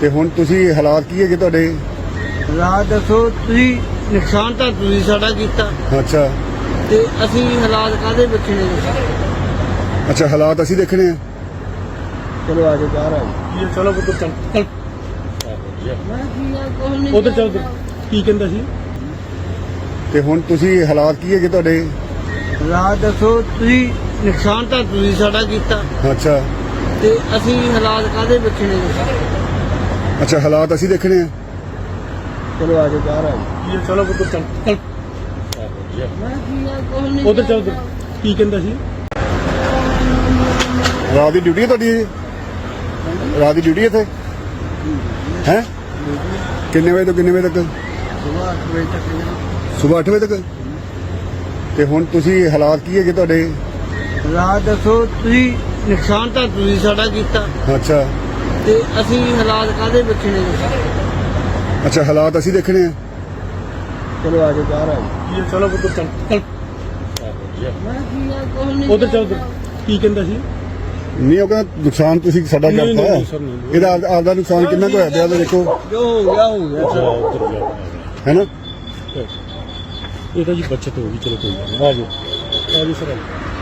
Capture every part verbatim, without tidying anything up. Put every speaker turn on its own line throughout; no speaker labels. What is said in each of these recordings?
ਤੇ ਹੁਣ ਤੁਸੀਂ ਹਾਲਾਤ ਕੀ ਹੈਗੇ ਤੁਹਾਡੇ?
ਹਾਲਾਤ ਦੱਸੋ ਤੁਸੀਂ। ਨੁਕਸਾਨ ਤਾਂ ਤੁਸੀਂ ਸਾਡਾ ਕੀਤਾ
ਅੱਛਾ
ਤੇ ਅਸੀਂ ਹਾਲਾਤ ਕਾਹਦੇ ਬੱਚੇ ਨੇ ਦੱਸੋ।
ਅੱਛਾ ਹਾਲਾਤ ਅਸੀਂ ਦੇਖਣੇ ਆ।
ਚਲੋ ਆ ਜਾਓ ਬਾਹਰ ਆ
ਇਹ ਚਲੋ ਪੁੱਤਰ ਚੱਲ ਚੱਲ
ਜਾਓ।
ਉਧਰ ਚੱਲ ਕੀ ਕਹਿੰਦਾ ਸੀ?
ਤੇ ਹੁਣ ਤੁਸੀਂ ਹਾਲਾਤ ਕੀ ਹੈਗੇ ਤੁਹਾਡੇ?
ਹਾਲਾਤ ਦੱਸੋ ਤੁਸੀਂ। ਨੁਕਸਾਨ ਤਾਂ ਤੁਸੀਂ ਸਾਡਾ ਕੀਤਾ
ਅੱਛਾ
ਤੇ ਅਸੀਂ ਹਾਲਾਤ ਕਾਹਦੇ ਬੱਚੇ ਨੇ ਦੱਸੋ।
ਅੱਛਾ ਹਾਲਾਤ ਅਸੀਂ ਦੇਖਣੇ ਆ।
ਚਲੋ ਆ ਜਾਓ ਬਾਹਰ ਆ ਜਾਓ।
ਇਹ ਚਲੋ ਪੁੱਤਰ ਚੱਲ ਚੱਲ ਉਧਰ ਚੱਲ ਕੀ ਕਹਿੰਦਾ ਸੀ?
ਰਾਤ ਦੀ ਡਿਊਟੀ ਹੈ ਤੁਹਾਡੀ ਇਹ? ਰਾਤ ਦੀ ਡਿਊਟੀ ਹੈ ਇੱਥੇ ਹੈ? ਕਿੰਨੇ ਵਜੇ ਤੋਂ ਕਿੰਨੇ ਵਜੇ ਤੱਕ?
ਸੁਬਾਹ ਅੱਠ ਵਜੇ ਤੱਕ।
ਸਵੇਰ ਅੱਠ ਵਜੇ ਤੱਕ। ਤੇ ਹੁਣ ਤੁਸੀਂ ਹਾਲਾਤ ਕੀ ਹੈਗੇ ਤੁਹਾਡੇ?
ਹਾਲਾਤ ਦੱਸੋ ਤੁਸੀਂ। ਨੁਕਸਾਨ ਤਾਂ ਤੁਸੀਂ ਸਾਡਾ ਕੀਤਾ
ਅੱਛਾ
ਤੇ ਅਸੀਂ ਹਾਲਾਤ ਕਾਹਦੇ ਬੱਚੇ ਨੇ ਦੱਸੋ।
ਅੱਛਾ ਹਾਲਾਤ ਅਸੀਂ ਦੇਖਣੇ ਆ।
ਚਲੋ ਆ ਜਾਓ ਬਾਹਰ ਆ ਜਾਓ।
ਇਹ ਚਲੋ ਪੁੱਤਰ ਚੱਲ ਚੱਲ ਉਧਰ ਚੱਲ ਕੀ ਕਹਿੰਦਾ ਸੀ?
ਨਹੀਂ ਉਹ ਕਹਿੰਦਾ ਨੁਕਸਾਨ ਤੁਸੀਂ ਸਾਡਾ
ਨਹੀਂ,
ਕਰਤਾ
ਨਹੀਂ, ਸਰ, ਨਹੀਂ।
ਇਹਦਾ ਆਪ- ਆਪਦਾ ਨੁਕਸਾਨ ਕਿੰਨਾ ਕੁ ਹੋਇਆ ਪਿਆ ਉਹਦਾ ਦੇਖੋ
ਜੋ ਹੋ ਗਿਆ ਹੋ ਗਿਆ।
ਉਧਰ ਜਾ
ਹੈ ਨਾ।
ਇਹ ਤਾਂ ਜੀ ਬੱਚਤ ਹੋ ਗਈ। ਚਲੋ ਕੋਈ ਗੱਲ ਨਹੀਂ। ਆ ਜਾਓ ਆ ਜਾਓ ਸਰ।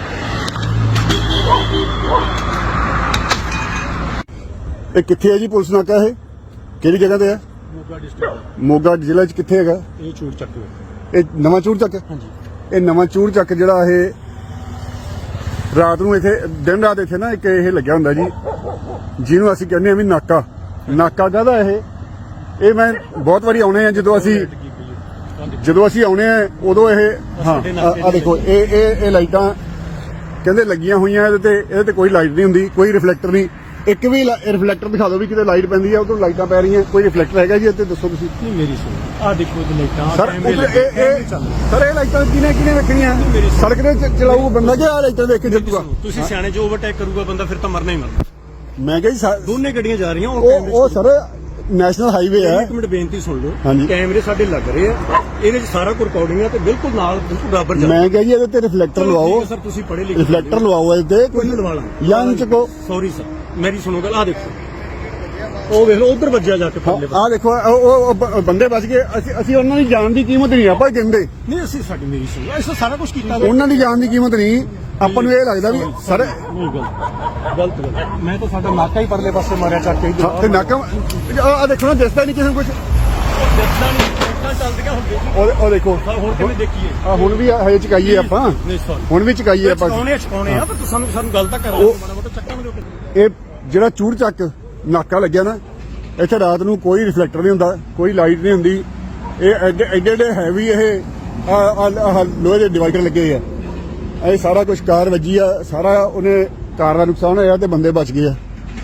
ਇਹ ਕਿੱਥੇ ਹੈ ਜੀ ਪੁਲਿਸ ਨਾਕਾ? ਇਹ ਕਿਹੜੀ ਜਗ੍ਹਾ ਤੇ ਹੈ?
ਮੋਗਾ ਡਿਸਟ੍ਰਿਕਟ
ਮੋਗਾ ਜ਼ਿਲ੍ਹੇ 'ਚ ਕਿੱਥੇ ਹੈਗਾ?
ਇਹ ਚੂੜ ਚੱਕ ਲਓ।
ਇਹ ਨਵਾਂ ਚੂੜ ਚੱਕ।
ਹਾਂਜੀ
ਇਹ ਨਵਾਂ ਚੂੜ ਚੱਕ ਜਿਹੜਾ ਇਹ ਰਾਤ ਨੂੰ ਇੱਥੇ ਦਿਨ ਰਾਤ ਇੱਥੇ ਨਾ ਇੱਕ ਇਹ ਲੱਗਿਆ ਹੁੰਦਾ ਜੀ ਜਿਹਨੂੰ ਅਸੀਂ ਕਹਿੰਦੇ ਆ ਵੀ ਨਾਕਾ। ਨਾਕਾ ਕਾਹਦਾ ਇਹ? ਇਹ ਮੈਂ ਬਹੁਤ ਵਾਰੀ ਆਉਣੇ ਆ ਜਦੋਂ ਅਸੀਂ ਜਦੋਂ ਅਸੀਂ ਆਉਣੇ ਆ ਉਦੋਂ ਇਹ ਹਾਂ ਆ ਦੇਖੋ ਇਹ ਇਹ ਇਹ ਲਾਈਟਾਂ ਕਹਿੰਦੇ ਲੱਗੀਆਂ ਹੋਈਆਂ ਇਹਦੇ ਤੇ ਇਹਦੇ ਤੇ ਕੋਈ ਲਾਈਟ ਨਹੀਂ ਹੁੰਦੀ, ਕੋਈ ਰਿਫਲੈਕਟਰ ਨਹੀਂ। ਇੱਕ ਵੀ ਰਿਫਲੈਕਟਰ ਦਿਖਾ ਦਿਓ ਵੀ ਕਿਤੇ ਲਾਈਟ ਪੈਂਦੀ ਆ ਉਦੋਂ ਲਾਈਟਾਂ ਪੈ ਰਹੀਆਂ। ਕੋਈ ਰਿਫਲੈਕਟਰ ਹੈਗਾ ਜੀ ਇੱਥੇ? ਦੱਸੋ ਤੁਸੀਂ।
ਨਹੀਂ ਮੇਰੀ ਸੁਣੋ। ਆ ਦੇਖੋ ਇਹ ਲਾਈਟਾਂ
ਸਰ ਉੱਧਰ ਇਹ ਇਹ ਸਰ ਇਹ ਲਾਈਟਾਂ ਕਿਹਨੇ ਕਿਹਨੇ ਵੇਖਣੀਆਂ? ਸੜਕ ਤੇ ਚ- ਚਲਾਊ ਬੰਦਾ ਕਿ ਆ ਲਾਈਟਾਂ ਵੇਖ ਕੇ ਜਿੱਤੂਗਾ?
ਤੁਸੀਂ ਸਿਆਣੇ ਜੋ ਓਵਰਟੇਕ ਕਰੂਗਾ ਬੰਦਾ ਫਿਰ ਤਾਂ ਮਰਨਾ ਹੀ ਮਰਨਾ।
ਮੈਂ ਕਿਹਾ ਜੀ ਸਾ-
ਦੋਨੇ ਗੱਡੀਆਂ ਜਾ ਰਹੀਆਂ
ਉਹ ਉਹ ਸਰ ਨੈਸ਼ਨਲ ਹਾਈਵੇ ਹੈ।
ਇੱਕ ਮਿੰਟ ਬੇਨਤੀ ਸੁਣ ਲਓ।
ਹਾਂਜੀ।
ਕੈਮਰੇ ਸਾਡੇ ਲੱਗ ਰਹੇ ਆ, ਇਹਦੇ 'ਚ ਸਾਰਾ ਕੁਝ ਰਿਕਾਰਡਿੰਗ ਆ ਤੇ ਬਿਲਕੁਲ ਨਾਲ ਬਿਲਕੁਲ ਬਰਾਬਰ ਜਾ।
ਮੈਂ ਕਿਹਾ ਜੀ ਇਹਦੇ ਤੇ ਰਿਫਲੈਕਟਰ ਲਵਾਓ।
ਸਰ ਤੁਸੀਂ ਪੜ੍ਹੇ ਲਿਖੇ
ਰਿਫਲੈਕਟਰ ਲਵਾਓ ਇਹਦੇ
ਕੋਈ
ਤੇ
ਲਵਾ ਲਾਂ
ਜਾਂ ਚੱਕੋ।
ਸੌਰੀ ਸਰ ਮੇਰੀ ਸੁਣੋ ਗੱਲ। ਆ ਦੇਖੋ ਉਹ ਵੇਖ ਲਓ ਉਧਰ ਵੱਜਿਆ ਜਾ ਕੇ ਪਰਲੇ
ਆ ਦੇਖੋ ਉਹ ਉਹ ਬ- ਬੰਦੇ ਬਚ ਗਏ। ਅਸੀਂ ਅਸੀਂ ਉਹਨਾਂ ਦੀ ਜਾਨ ਦੀ ਕੀਮਤ ਨਹੀਂ ਆਪਾਂ ਕਹਿੰਦੇ।
ਨਹੀਂ ਅਸੀਂ ਸਾਡੀ ਮੇਰੀ ਸੁਣੋ ਅਸੀਂ ਸਾਰਾ ਕੁਝ ਕੀਤਾ।
ਉਹਨਾਂ ਦੀ ਜਾਨ ਦੀ ਕੀਮਤ ਨਹੀਂ ਆਪਾਂ ਨੂੰ ਇਹ ਲੱਗਦਾ ਵੀ ਸਰ
ਨਹੀਂ ਗਲਤ ਗਲਤ ਗੱਲ। ਮੈਂ ਤਾਂ ਸਾਡਾ ਨਾਕਾ ਹੀ ਪਰਲੇ ਪਾਸੇ ਮਾਰਿਆ ਚੱਕ ਕੇ
ਹਾਂ, ਤੇ ਨਾਕਾ ਆ ਦੇਖੋ ਨਾ ਦਿਸਦਾ ਨਹੀਂ ਕਿਸੇ ਨੂੰ ਕੁਝ।
ਜਿੱਦਾਂ ਨਹੀਂ ਇੱਦਾਂ ਚੱਲਦੀਆਂ ਹੁੰਦੀਆਂ ਸੀ।
ਉਹ ਉਹ ਦੇਖੋ
ਹੁਣ ਕਿਵੇਂ ਦੇਖੀਏ?
ਆ ਹੁਣ ਵੀ ਹਜੇ ਚਕਾਈਏ ਆਪਾਂ।
ਨਹੀਂ ਸੌਰੀ
ਹੁਣ ਵੀ ਚਕਾਈਏ ਆਪਾਂ।
ਚਕਾਉਣੇ ਚਕਾਉਣੇ ਆ ਪਰ ਸਾਨੂੰ ਸਾਨੂੰ ਗੱਲ ਤਾਂ ਕਰਾਓ ਮਾੜਾ ਮੋਟਾ ਚੱਕਾਂ ਨੂੰ
ਇਹ ਜਿਹੜਾ ਚੂੜ ਚੱਕ ਨਾਕਾ ਲੱਗਿਆ ਨਾ ਇੱਥੇ ਰਾਤ ਨੂੰ ਕੋਈ ਰਿਫਲੈਕਟਰ ਨਹੀਂ ਹੁੰਦਾ, ਕੋਈ ਲਾਈਟ ਨਹੀਂ ਹੁੰਦੀ। ਇਹ ਐਡੇ ਐਡੇ ਐਡੇ ਹੈਵੀ ਇਹ ਆ ਲੋਹੇ ਦੇ ਡਿਵਾਈਡਰ ਲੱਗੇ ਆ। ਇਹ ਸਾਰਾ ਕੁਝ ਕਾਰ ਵੱਜੀ ਆ, ਸਾਰਾ ਉਹਨੇ ਕਾਰ ਦਾ ਨੁਕਸਾਨ ਹੋਇਆ ਤੇ ਬੰਦੇ ਬਚ ਗਏ ਆ।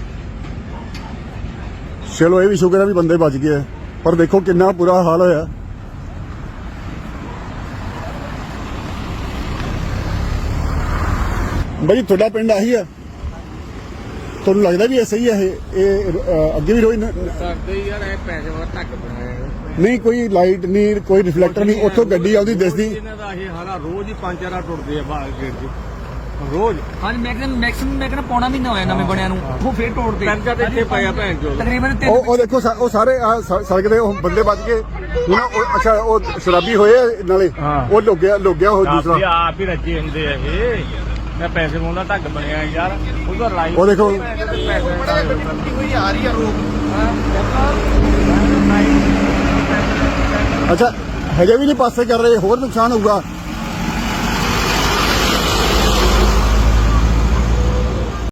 ਚਲੋ ਇਹ ਵੀ ਸ਼ੁਕਰ ਹੈ ਵੀ ਬੰਦੇ ਬਚ ਗਏ ਆ, ਪਰ ਦੇਖੋ ਕਿੰਨਾ ਬੁਰਾ ਹਾਲ ਹੋਇਆ। ਬਾਈ ਤੁਹਾਡਾ ਪਿੰਡ ਆਹੀ ਆ? ਤੁਹਾਨੂੰ ਲੱਗਦਾ ਵੀ ਇਹ ਸਹੀ ਹੈ? ਇਹ ਇਹ ਅ, ਅੱਗੇ ਵੀ ਰੋਈ ਨ-
ਕਰਦੇ ਯਾਰ ਇਹ ਪੈਸੇ ਵਾਲਾ ਧੱਕ ਬਣਾਇਆ
ਨਹੀਂ ਕੋਈ ਲਾਈਟ ਨਹੀਂ, ਕੋਈ ਰਿਫਲੈਕਟਰ ਨਹੀਂ। ਉੱਥੋਂ ਗੱਡੀ ਆਉਂਦੀ ਦਿਸਦੀ।
ਇਹਨਾਂ ਦਾ ਇਹ ਹਾਲਾ ਰੋਜ਼ ਹੀ ਪੰਜ ਚਾਰ ਟੁੱਟਦੇ ਆ ਬਾਹਰ ਗੇਟ 'ਚ ਰੋਜ਼।
ਹਾਂਜੀ ਮੈਂ ਕਹਿੰਦਾ ਮੈਕਸਿਮਮ ਮੈਂ ਕਹਿੰਦਾ ਪੌਣਾ ਮਹੀਨਾ ਹੋਇਆ ਨਵੇਂ ਬਣਿਆ ਨੂੰ ਉਹ ਫੇਰ ਤੋੜਦੇ
ਪੈਂਚਰ ਤੇ ਇੱਥੇ ਪਿਆ ਭੈਣ ਚੋਦ।
ਤਕਰੀਬਨ ਤਿੰਨ
ਉਹ ਉਹ ਦੇਖੋ ਸਾ- ਉਹ ਸਾਰੇ ਆਹ ਸ- ਸੜਕ ਦੇ ਉਹ ਬੰਦੇ ਬਚ ਗਏ। ਹੁਣ ਉਹ ਅੱਛਾ ਉਹ ਸ਼ਰਾਬੀ ਹੋਏ ਆ ਨਾਲੇ ਉਹ ਲੁੱਗਿਆ ਲੁੱਗਿਆ ਉਹ ਦੂਸਰਾ।
ਆਪ ਹੀ ਰੱਜੇ ਹੁੰਦੇ ਆ ਇਹ। ਮੈਂ ਪੈਸੇ ਮੋਲਾ ਢੱਗ ਬਣਿਆ ਯਾਰ ਉਹਦਾ ਲਾਈਨ
ਉਹ ਦੇਖੋ
ਕੋਈ ਆ ਰਹੀ ਆ ਰੋਕ।
ਅੱਛਾ ਹਜੇ ਵੀ ਨਹੀਂ ਪਾਸੇ ਕਰ ਰਹੇ, ਹੋਰ ਨੁਕਸਾਨ ਹੋਊਗਾ।